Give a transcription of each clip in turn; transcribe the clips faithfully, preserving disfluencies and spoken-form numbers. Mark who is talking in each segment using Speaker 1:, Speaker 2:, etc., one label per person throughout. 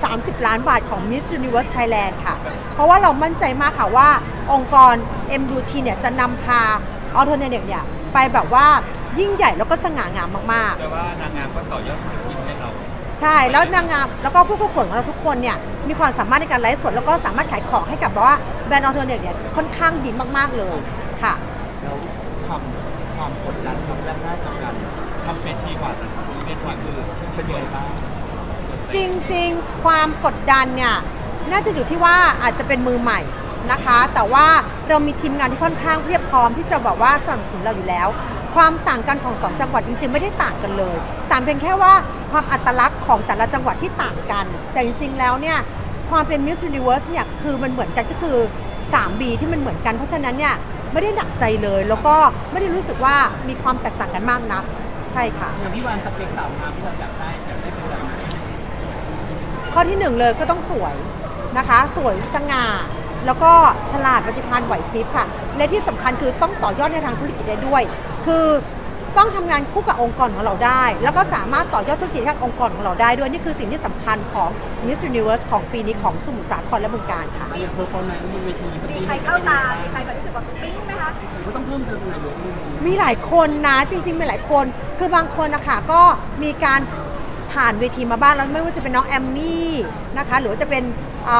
Speaker 1: ามสิบล้านบาทของ Miss Universe Thailand ค่ะเพราะว่าเรามั่นใจมากค่ะว่าองค์กร เอ็ม ยู ที เนี่ยจะนำพา Alternative เนี่ยไปแบบว่ายิ่งใหญ่แล้วก็สง่างามมากๆ
Speaker 2: แต่ว่านางงามก็ต่อยอดธุรกิจให้เรา
Speaker 1: ใช่แล้วนางงามแล้วก็ผู้ประกวดของเราทุกคนเนี่ยมีความสามารถในการไลฟ์สดแล้วก็สามารถขายของให้กับแบบว่าแบรนด์ออเทอร์เนทเนี่ยค่อนข้างดีมากๆเลยค่ะ
Speaker 3: แล้วความความกดดันความยากง่ายกับการทำเวทีก่อนนะครับเวทีคือเป็นยังไงบ้าง
Speaker 1: จริงๆความกดดันเนี่ยน่าจะอยู่ที่ว่าอาจจะเป็นมือใหม่นะคะแต่ว่าเรามีทีมงานที่ค่อนข้างเพียบพร้อมที่จะบอกว่าสนับสนุนเราอยู่แล้วความต่างกันของสองจังหวัดจริงๆไม่ได้ต่างกันเลยต่างเพียงแค่ว่าความอัตลักษณ์ของแต่ละจังหวัดที่ต่างกันแต่จริงๆแล้วเนี่ยความเป็น Miss Universe เนี่ยคือมันเหมือนกันก็คือ ทรี บี ที่มันเหมือนกันเพราะฉะนั้นเนี่ยไม่ได้หนักใจเลยแล้วก็ไม่ได้รู้สึกว่ามีความแตกต่างกันมากนักใช่ค่ะ
Speaker 4: อย่างพี่วานสเปคสาวงามที่เราอยากได้อยากได้เป็นแบบไหน
Speaker 1: ข้อที่หนึ่งเลยก็ต้องสวยนะคะสวยสง่าแล้วก็ฉลาดปฏิภาณไหวพริบค่ะและที่สำคัญคือต้องต่อยอดในทางธุรกิจได้ด้วยคือต้องทำงานคู่กับองค์กรของเราได้แล้วก็สามารถต่อยอดธุรกิจให้องค์กรของเราได้ด้วยนี่คือสิ่งที่สำคัญของ Miss Universe ของปีนี้ของสมุทรสาครและบึงกาฬค่ะ
Speaker 4: อย่างเพอร์ฟอร์แมนซ์บนเวที
Speaker 5: มีใครเข้าตามีใครแบบรู้สึกว่าปิ๊งไหมคะ
Speaker 4: ก็ต้องเพิ่มเติมอะไรเยอะเลย
Speaker 1: มีหลายคนนะจริงๆมีหลายคนคือบางคนนะคะก็มีการผ่านเวทีมาบ้างแล้วไม่ว่าจะเป็นน้องแอมมี่นะคะหรือว่าจะเป็น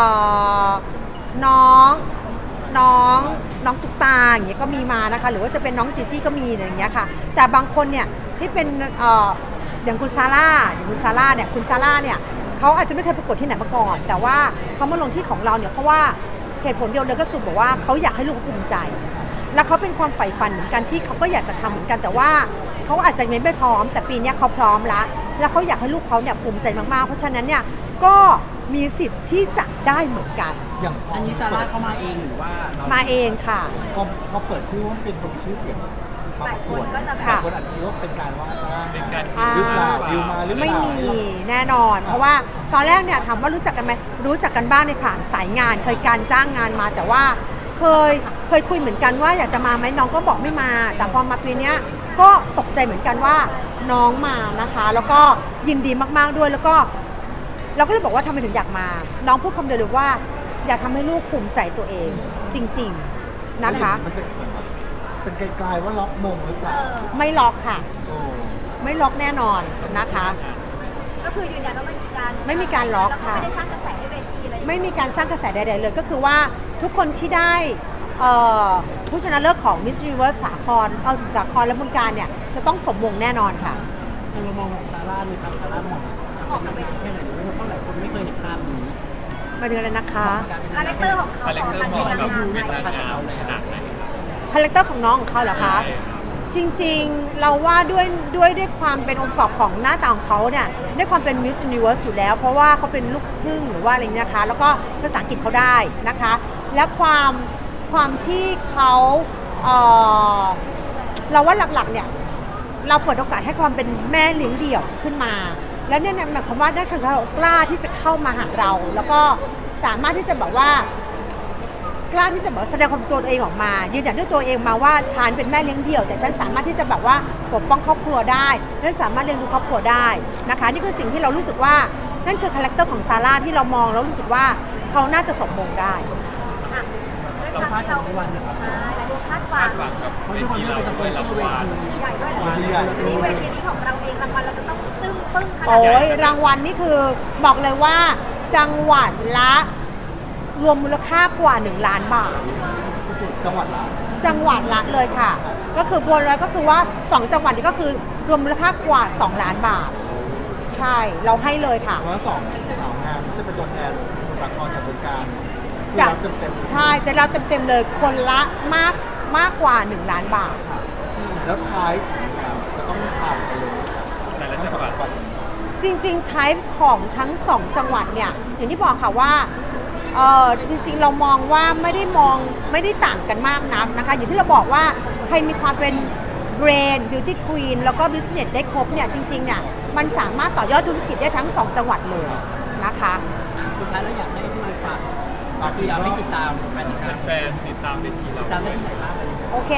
Speaker 1: น้องน้องน้องตุ๊กตาอย่างเงี้ยก็มีมานะคะหรือว่าจะเป็นน้องจีจี้ก็มีอย่างเงี้ยค่ะแต่บางคนเนี่ยที่เป็นเอ่ออย่างคุณซาร่าอย่างคุณซาร่าเนี่ยคุณซาร่าเนี่ยเขาอาจจะไม่เคยประกวดที่ไหนมาก่อนแต่ว่าเขามาลงที่ของเราเนี่ยเพราะว่าเหตุผลเดียวเลยก็คือบอกว่าเขาอยากให้ลูกภูมิใจแล้วเขาเป็นความใฝ่ฝันเหมือนกันที่เขาก็อยากจะทำเหมือนกันแต่ว่าเขาอาจจะไม่พร้อมแต่ปีนี้เขาพร้อมแล้วแล้วเขาอยากให้ลูกเขาเนี่ยภูมิใจมากๆเพราะฉะนั้นเนี่ยก็มีสิทธิ์ที่จะได้เหมือนกัน
Speaker 3: อย่าง
Speaker 4: อันนี้ซาร่าเข้ามาเองหรือว่า
Speaker 1: มาเองค่ะ
Speaker 3: พอพอเปิดชื่อว่าเป็นคนมีชื่อเสียง
Speaker 5: หลายคนก็จะ
Speaker 3: หลายคนอาจจะคิดว่าเป็นการว่าจ้าง
Speaker 2: เป็นการ
Speaker 3: หรือเปล่าดิวมาหรือเปล่า
Speaker 1: ไม่มีแน่นอนเพราะว่าตอนแรกเนี่ยถามว่ารู้จักกันไหมรู้จักกันบ้างในผ่านสายงานเคยการจ้างงานมาแต่ว่าเคยเคยคุยเหมือนกันว่าอยากจะมาไหมน้องก็บอกไม่มาแต่พอมาปีนี้ก็ตกใจเหมือนกันว่าน้องมานะคะแล้วก็ยินดีมากๆด้วยแล้วก็เราก็เลยบอกว่าทำไมถึงอยากมาน้องพูดคำเดียวเลยว่าอยากทำให้ลูกภูมิใจตัวเองจริงๆนะคะ
Speaker 3: มันจะเป็นไกลๆว่าล็อกมงหรือเปล่า
Speaker 1: ไม่ล็อกค่ะไม่ล็อกแน่นอนนะคะ
Speaker 5: ก็คือยืนยันว่าไม่มีการ
Speaker 1: ไม่มีการล็อกค่ะ
Speaker 5: ไม่ได้สร้างกระแสให้เวทีอะไร
Speaker 1: ไม่มีการสร้างกระแสใดๆเลยก็คือว่าทุกคนที่ได้ผู้ชนะเลิศของ Miss Universe สาครเอาสมุทรสาครและบึงกาฬเนี่ยจะต้องสมมงแน่นอนค่ะ
Speaker 4: ในมุมมองของซาร่าในทางซาร่ามองออกมาเป็นแค่ไหนเพราะหลายคนไม่เคยเห็นภาพนี้
Speaker 1: มาดูเลยนะคะ
Speaker 5: คาแรคเตอร์ของเขา
Speaker 2: คาแรคเตอร์ของเราดูไม่สง่างามขนาดไหน
Speaker 1: คาแรคเตอร์ของน้องของเขาเหรอคะจริงๆเราว่าด้วยด้วยด้วยความเป็นองค์ประกอบของหน้าตาของเขาเนี่ยด้วยความเป็น Miss Universe อยู่แล้วเพราะว่าเขาเป็นลูกครึ่งหรือว่าอะไรนี้นะคะแล้วก็ภาษาอังกฤษเขาได้นะคะและความความที่เขาเอ่อเราว่าหลักๆเนี่ยเราเปิดโอกาสให้ความเป็นแม่เลี้ยงเดี่ยวขึ้นมาแล้วเนี่ยหมายความว่าได้คือเขากล้าที่จะเข้ามาหาเราแล้วก็สามารถที่จะแบบว่ากล้าที่จะแบบแสดงความตัวตัวเองออกมายืนหยันด้วยตัวเองมาว่าฉันเป็นแม่เลี้ยงเดี่ยวแต่ฉันสามารถที่จะแบบว่าปกป้องครอบครัวได้และสามารถเลี้ยงดูครอบครัวได้นะคะนี่คือสิ่งที่เรารู้สึกว่านั่นคือคาแรคเตอร์ของซาร่าที่เรามองแล้วรู้สึกว่าเขาน่าจะสมมงได้
Speaker 4: เราพลาดของวันนะครับ
Speaker 5: ใช่คาดหวัง
Speaker 2: กับเวทีเราด้วยรางวัล
Speaker 5: ใหญ่ด้วยที่เวทีนี้ของเราเองรางวัลเราจะต้องจึ้งปึ้งขนาดไหน
Speaker 1: โอ้ยรางวัลนี่คือบอกเลยว่าจังหวัดละรวมมูลค่ากว่าหนึ่งล้านบาท
Speaker 3: จังหวัดละ
Speaker 1: จังหวัดละเลยค่ะก็คือบัวลอยก็คือว่าสองจังหวัดนี้ก็คือรวมมูลค่ากว่าสองล้านบาทใช่เราให้เลยค่ะ
Speaker 3: เพราะสองสาวงานจะเป็นตัวแทนสมุทรสาครกับบึงกาฬ
Speaker 1: จะใช่จะรับเต็มๆเลยคนละมากมากกว่าหนึ่งล้านบาท
Speaker 3: แล้วท้ายจะต้องผ่านไปเลย
Speaker 2: แต่ละจังหวัด
Speaker 1: จริงๆไทป์ของทั้งสองจังหวัดเนี่ยอย่างที่บอกค่ะว่าเออจริงๆเรามองว่าไม่ได้มองไม่ได้ต่างกันมากนักนะคะอย่างที่เราบอกว่าใครมีความเป็นเบรนด์บิวตี้ควีนแล้วก็บิสเนสได้ครบเนี่ยจริงๆเนี่ยมันสามารถต่อยอดธุรกิจได้ทั้งสองจังหวัดเลยนะคะ
Speaker 4: สุดท้ายแล้วอยากให้พี่ฝากคืออยากให้ติดตามแฟน
Speaker 2: แฟนติดตามเวทีเรา
Speaker 4: ตามได้ที่ไหนบ้าง
Speaker 1: โอเค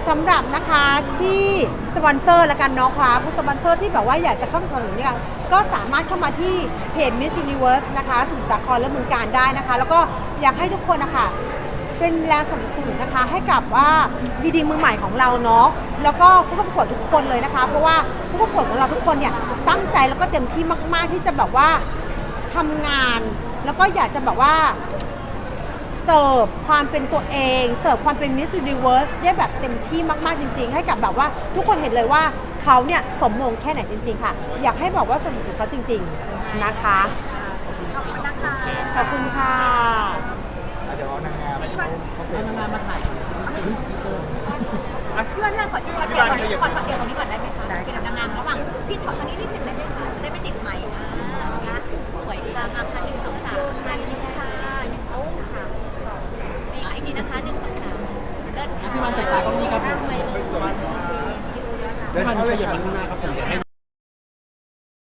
Speaker 1: สำหรับนะคะที่สปอนเซอร์ละกันเนาะค่ะผู้สปอนเซอร์ที่แบบว่าอยากจะเข้ามาสนับสนุนเนี่ยก็สามารถเข้ามาที่เพจ Miss Universe นะคะสมุทรสาครและเมืองการได้นะคะ แล้วก็อยากให้ทุกคนนะคะเป็นแรงสนับสนุนนะคะให้กับว่าพีดีมือใหม่ของเราเนาะแล้วก็ผู้ประกวดทุกคนเลยนะคะ เพราะว่าผู้ประกวดของเราทุกคนเนี่ยตั้งใจแล้วก็เต็มที่มากๆที่จะแบบว่าทำงาน แล้วก็อยากจะแบบว่าเสิร์ฟความเป็นตัวเองเสิร์ฟความเป็น Miss Universe ได้แบบเต็มที่มากๆจริงๆให้กับแบบว่าทุกคนเห็นเลยว่าเขาเนี่ยสมมงแค่ไหนจริงๆค่ะอยากให้บอกว่าสนับสนุนเขาจริงๆนะคะ
Speaker 5: ขอบคุณนะคะ
Speaker 1: ขอบคุณค่ะ
Speaker 3: เดี๋ยวเอานางงามเขาเขาเสร็
Speaker 4: เอา
Speaker 3: จ
Speaker 4: นางงามมาถ่าย
Speaker 5: พี่วันเรื่องขอช็อตเดียวตรงนี้ขอช็อตเดียวตรงนี้ก่อนได้ไหมคะเป็นนางงามระหว่างพี่ถอดตรงนี้นิดนึงได้ไหมคะจะได้ไม่ติด